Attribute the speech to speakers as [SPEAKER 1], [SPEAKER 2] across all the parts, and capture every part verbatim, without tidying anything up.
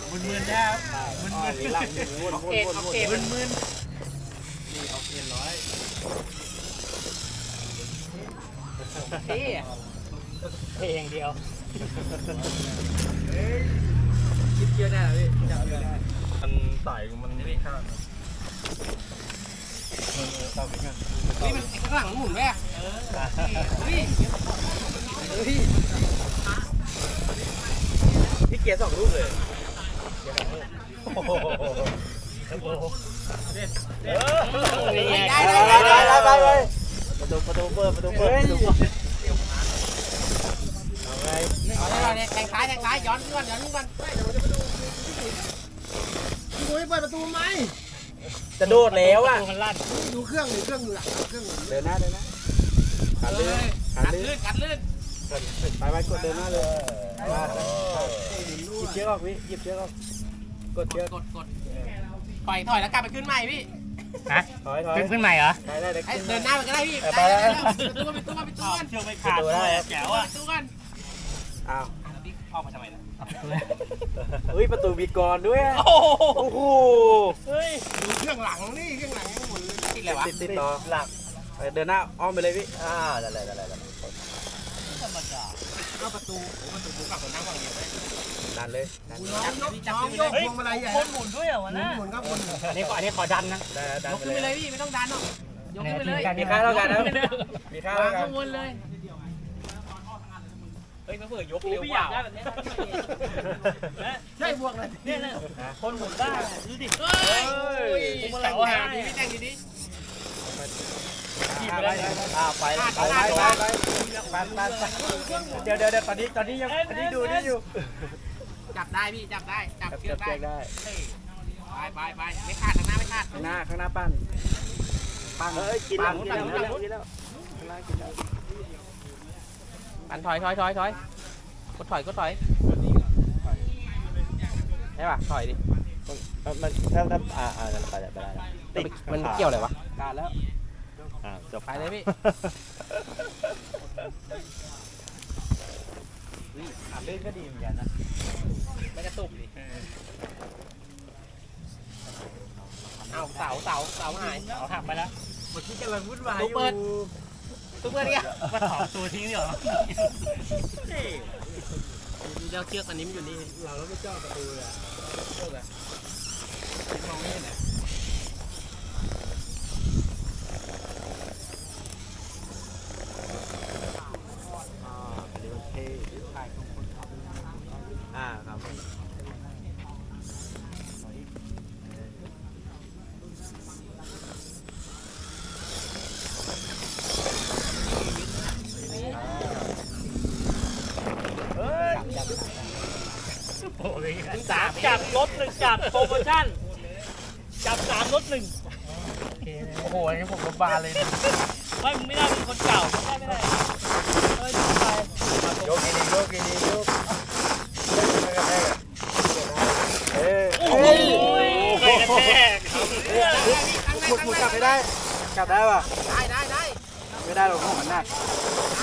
[SPEAKER 1] มึนๆแล้วมึนๆ
[SPEAKER 2] ออกเกตออกเกต
[SPEAKER 1] มึน
[SPEAKER 3] นี่เอาเอ็นร้อย
[SPEAKER 2] เท่เท่อย่างเดียว
[SPEAKER 3] คิดเยอะได้เหรอพี่จับเยอะได้มันใส่มันไม่ข้างเออตามกัน
[SPEAKER 2] เฮ้ยมันข้างหลังหมุนไหมเฮ้ยเฮ้ย
[SPEAKER 3] พี่เกียร์สองลูกเลยโอ้โห
[SPEAKER 2] ได้ได้ได้ได้ได้
[SPEAKER 3] ประตูประตูเปิดประตูเปิดประตูเปิดเอาไง
[SPEAKER 2] เอาได้เลยแทงซ้ายแทงซ้ายย้อนขึ้นก่อนย้อนขึ้นก่อน
[SPEAKER 1] พี่บุ้ยเปิดประตูไหม
[SPEAKER 3] จะโดดแล้วอ่ะ
[SPEAKER 2] มันลั่น
[SPEAKER 1] ดูเครื่องหรือเครื่องอยู่หลังเครื่อง
[SPEAKER 3] เดินหน้าเดินหน้าขาลื่นขา
[SPEAKER 2] กัด
[SPEAKER 3] ลื่
[SPEAKER 2] ลื่
[SPEAKER 3] น
[SPEAKER 2] นกัดลื่น
[SPEAKER 3] ไปไปกดเดินหน้าเลยหยิบเชือกออกพี่หยิบเชือกออกกดเชือก
[SPEAKER 2] กดกดปล่อยถอยแล้วกลับไปขึ้นใหม่พี่
[SPEAKER 4] ฮะ
[SPEAKER 3] ถอยถอย
[SPEAKER 4] ขึ้นขึ้นใหม่เหรอ
[SPEAKER 3] ได้ได้ได้
[SPEAKER 2] ให้เดินหน้าไปก็ได้พี่
[SPEAKER 3] ไปแล้ว
[SPEAKER 2] ไปตู้ไปตู้ไปตู้กัน
[SPEAKER 4] เชือกไม่ขาดด้วยแจ๋วอ่ะ
[SPEAKER 2] ไปตู้กัน
[SPEAKER 3] อ้าว
[SPEAKER 2] พี่ออกมาทำไมล่ะ
[SPEAKER 3] เฮ้ยประตูมีกรด้วยโอ้โห
[SPEAKER 4] เฮ้ย
[SPEAKER 1] ดูเครื่องหลังนี่เครื่องหลังยังหมดเลย
[SPEAKER 2] ติดเลยวะ
[SPEAKER 3] ติดติดต่อหลักเดินหน้าอ้อมไปเลยพี่อ่าได้ได้ได้ได้
[SPEAKER 2] เอาประตูประตูกลับมานั่งฝั่งเดียวไหม
[SPEAKER 3] ดันเลยดัน
[SPEAKER 1] น้องยกน้องยกพวงมาลัยใหญ่
[SPEAKER 4] คนหมุนด้วยเหรอวะ
[SPEAKER 1] หมุน
[SPEAKER 4] นะ
[SPEAKER 1] หมุนครับหมุน
[SPEAKER 4] อันนี้ขออันนี้ขอดันนะ
[SPEAKER 3] ได้ดัน
[SPEAKER 2] ยก
[SPEAKER 3] ไป
[SPEAKER 2] ขึ้นไป
[SPEAKER 3] เล
[SPEAKER 2] เลย ยพี่ไม่ต้องดันหรอกยกขึ้นไปเลย
[SPEAKER 3] มีค่าเท่ากันนะมีค่าเท่ากัน
[SPEAKER 2] ข้างบนเลย
[SPEAKER 4] เฮ้ยมาเผื่อยกเร็วว่าแบบนี้
[SPEAKER 1] ใช่บวกเลย
[SPEAKER 4] เนี่ยนะคนหมุนได้ดูดิ
[SPEAKER 2] เฮ้ย
[SPEAKER 4] ผมอะไร
[SPEAKER 2] เสา
[SPEAKER 4] หา
[SPEAKER 2] หา
[SPEAKER 4] ดี
[SPEAKER 2] ดีพี่แจ้งดีดิ
[SPEAKER 3] อ่าไปไปไปไปไปไปไปเดี๋ยวเดี๋ยวเดี๋ยวตอนนี้ตอนนี้ยังตอนนี้ดูนี่อยู่
[SPEAKER 2] จับได้พี่จับได้จับ
[SPEAKER 3] จับ
[SPEAKER 2] เชือก
[SPEAKER 3] จับ
[SPEAKER 2] ได้
[SPEAKER 3] ได้
[SPEAKER 2] ไปไปไปไม่ขาดทางหน้าไม่ขาด
[SPEAKER 3] ข้างหน้าข้างหน้าปั้นปั้นเฮ้ยกินแล้วกินแล้วกินแล้วข้างหน้ากินแล้ว
[SPEAKER 2] ปันถอยถอยถอยถอยกดถอยกดถอยได้ป่ะถอยดิ
[SPEAKER 3] มันถ้าถ้าอ่าอ่าไปได้ไปได้ติด
[SPEAKER 2] มันเกี่ยวอะไรวะ
[SPEAKER 3] การแล้วอ่าจบ
[SPEAKER 2] ไปเลยพี่
[SPEAKER 3] ขาลื่นก็ดีเหมือนกันนะ
[SPEAKER 2] ไม่กระตุกดิเอาเสาเสาเสาหาย
[SPEAKER 4] เอาหักไปแล้ว
[SPEAKER 3] เมื่อกี้กำลังวุ่นวาย
[SPEAKER 2] ตู้เปิดตู้เปิดเนี่ย
[SPEAKER 4] มาถอดตัวทิ้งเหรอ
[SPEAKER 2] เจ้าเชือกอันนี้มันอยู่นี่
[SPEAKER 3] เราแล้วไม่เจาะประตูเลย
[SPEAKER 2] เชือกอะมองไม่เห็นอะ
[SPEAKER 3] อ่าอันนี้มันเท่ถ่ายของคนขับอ่าครับเฮ้ย
[SPEAKER 4] โอ้ยสามจับรถหนึ่งจับโปรโมชั่นจับสามรถหนึ่ง
[SPEAKER 3] โอ้โหอันนี้ผมก็บานเลย
[SPEAKER 4] ไม่มึงไม่ได้เป็นคนเก่าไม่ได้ไม่ได้เฮ้ยไป
[SPEAKER 3] โยกดีโยกดีโยกเอ้ย
[SPEAKER 4] โอ้โหใครกระแทก
[SPEAKER 3] หมุดหมุดกลับไม่ได้กลับได้ป่ะ
[SPEAKER 2] ได้ได้ได้
[SPEAKER 3] ไม่ได้หรอกมันหนัก
[SPEAKER 2] ได้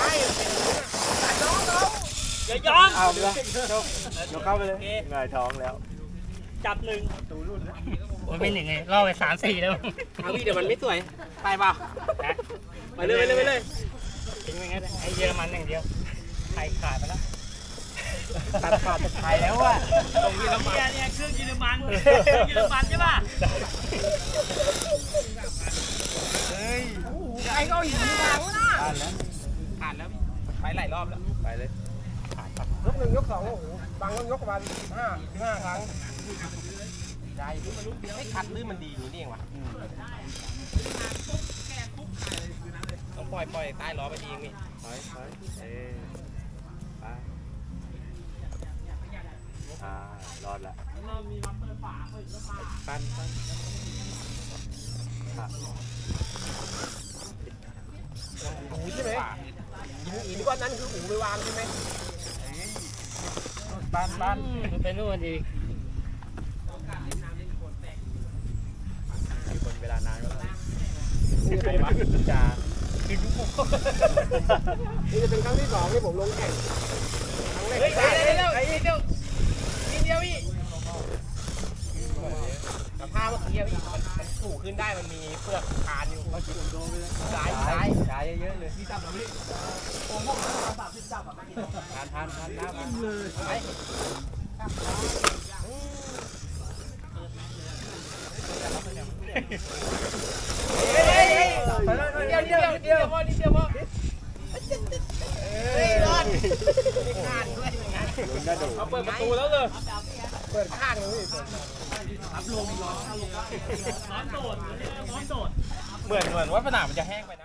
[SPEAKER 4] อย่ายอม
[SPEAKER 3] เอาเลยโยกโยกเข้าไปเลยหงายท้องแล้ว
[SPEAKER 4] จับหนึ่งมันไม่หนึ่งไงล่อไปสามสี่แล้ว
[SPEAKER 2] เอาพี่เดี๋ยวมันไม่สวยไปเปล่าไปเลยไปเลยไปเลย
[SPEAKER 4] ทิ้งไปงั้นไอ้เยอรมันอย่างเดียวไทยขาดไปแล้ว
[SPEAKER 3] ตัดขาดจะไทยแล้วอ่ะ
[SPEAKER 2] ตรงนี้แล้วมา
[SPEAKER 4] เนี่ยเนี่ยเครื่องเยอรมันเครื่องเยอรมันใช่ป่ะ
[SPEAKER 3] เฮ้ย
[SPEAKER 2] ใครก็เอาหินมาวะน่ะ
[SPEAKER 3] ผ่านแล้ว
[SPEAKER 2] ขาดแล้วพี่ไปหลายรอบแล้ว
[SPEAKER 3] ไปเลย
[SPEAKER 1] ยกหนึ่งยกสองโอ้โหบางต้องยกประมาณสิบห้าสิบห้าครั้ง
[SPEAKER 2] ได้พี่มันไม่คัดลื่นมันดีอย่างนี้นี่เองวะต้องปล่อยปล่อยใต้ล้อไปดีอย่างนี้
[SPEAKER 3] ถอยถอยเอ้ไปอ่ารอดละปั้นปั้นครับ
[SPEAKER 1] หูใช่ไหมหินหินก้อนนั้นคือหูไปวางใช่ไหม
[SPEAKER 3] ปั้นปั้น
[SPEAKER 4] มันเป็นนู่นอีก
[SPEAKER 3] มีคนเวลานานก็แล้ว
[SPEAKER 1] นี่จะเป็น
[SPEAKER 3] จ่า
[SPEAKER 1] นี่จะเป็นครั้งที่สองที่ผมลงแข่งครั้งแรก
[SPEAKER 2] เฮ้ย
[SPEAKER 1] ได้
[SPEAKER 2] ได้เร็วนิดเดียวนิดเดียวพี่
[SPEAKER 1] เที่ยวอีกมันมันถูขึ้นได้มันมีเปลือกคานอยู่ซ้ายซ้าย
[SPEAKER 3] ใช้เยอะๆเลยพี่จับแล้วพี่โอ้โหสามสิบจับอ่ะทานทานทานน้ำเลยไปเดี๋ยวเดี๋ยวเดี๋ยวเดี๋ยวพอเดี๋ยวพอเฮ้ยรอดไม่ขาดด้วยเอาเปิดประตูแล้วเลยเปิดข้างเลยพี่
[SPEAKER 4] ร้อนโดดร้อนโดด
[SPEAKER 3] เหมือนเหมือนว่าผนังมันจะแห้งไปนะ